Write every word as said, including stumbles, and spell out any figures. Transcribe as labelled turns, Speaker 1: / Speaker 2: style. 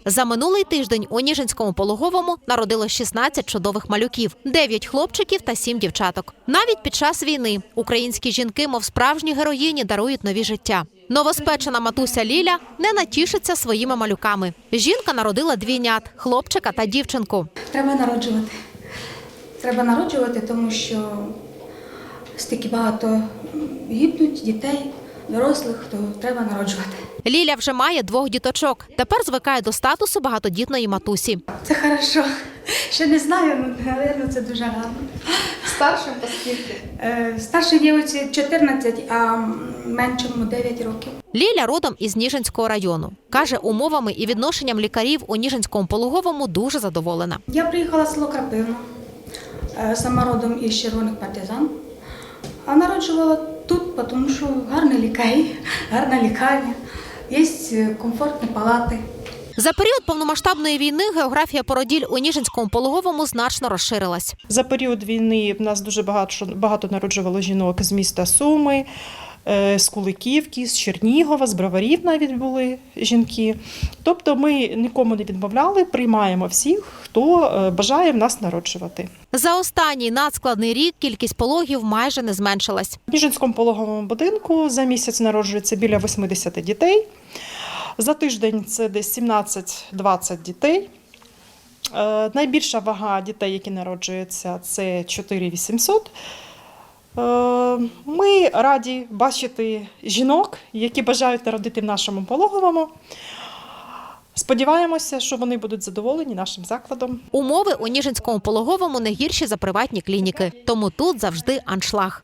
Speaker 1: За минулий тиждень у Ніжинському пологовому народилось шістнадцять чудових малюків, дев'ять хлопчиків та сім дівчаток. Навіть під час війни українські жінки, мов справжні героїні, дарують нові життя. Новоспечена матуся Ліля не натішиться своїми малюками. Жінка народила двійнят – хлопчика та дівчинку.
Speaker 2: Треба народжувати. Треба народжувати, тому що стільки багато гибнуть дітей, дорослих, то треба народжувати.
Speaker 1: Ліля вже має двох діточок. Тепер звикає до статусу багатодітної матусі.
Speaker 2: Це хорошо. Ще не знаю, але мабуть, це дуже гарно.
Speaker 3: Старшим по скільки?
Speaker 2: Е, Старшій дівчинці чотирнадцять, а меншому дев'ять років.
Speaker 1: Ліля родом із Ніжинського району. Каже, умовами і відношенням лікарів у Ніжинському пологовому дуже задоволена.
Speaker 2: Я приїхала з село Крапивна, е, сама родом із Червоних партизан, а народжувала тут, тому що гарні лікарі, гарна лікарня, є комфортні палати.
Speaker 1: За період повномасштабної війни географія породіль у Ніжинському пологовому значно розширилась.
Speaker 4: За період війни в нас дуже багато, багато народжувало жінок з міста Суми, е, з Куликівки, з Чернігова, з Броварів навіть були жінки. Тобто ми нікому не відмовляли, приймаємо всіх, хто е, бажає в нас народжувати.
Speaker 1: За останній надскладний рік кількість пологів майже не зменшилась.
Speaker 4: В Ніжинському пологовому будинку за місяць народжується біля вісімдесят дітей. За тиждень це десь сімнадцять-двадцять дітей. Е, найбільша вага дітей, які народжуються, це чотири тисячі вісімсот. Е, ми раді бачити жінок, які бажають народити в нашому пологовому. Сподіваємося, що вони будуть задоволені нашим закладом.
Speaker 1: Умови у Ніжинському пологовому не гірші за приватні клініки, тому тут завжди аншлаг.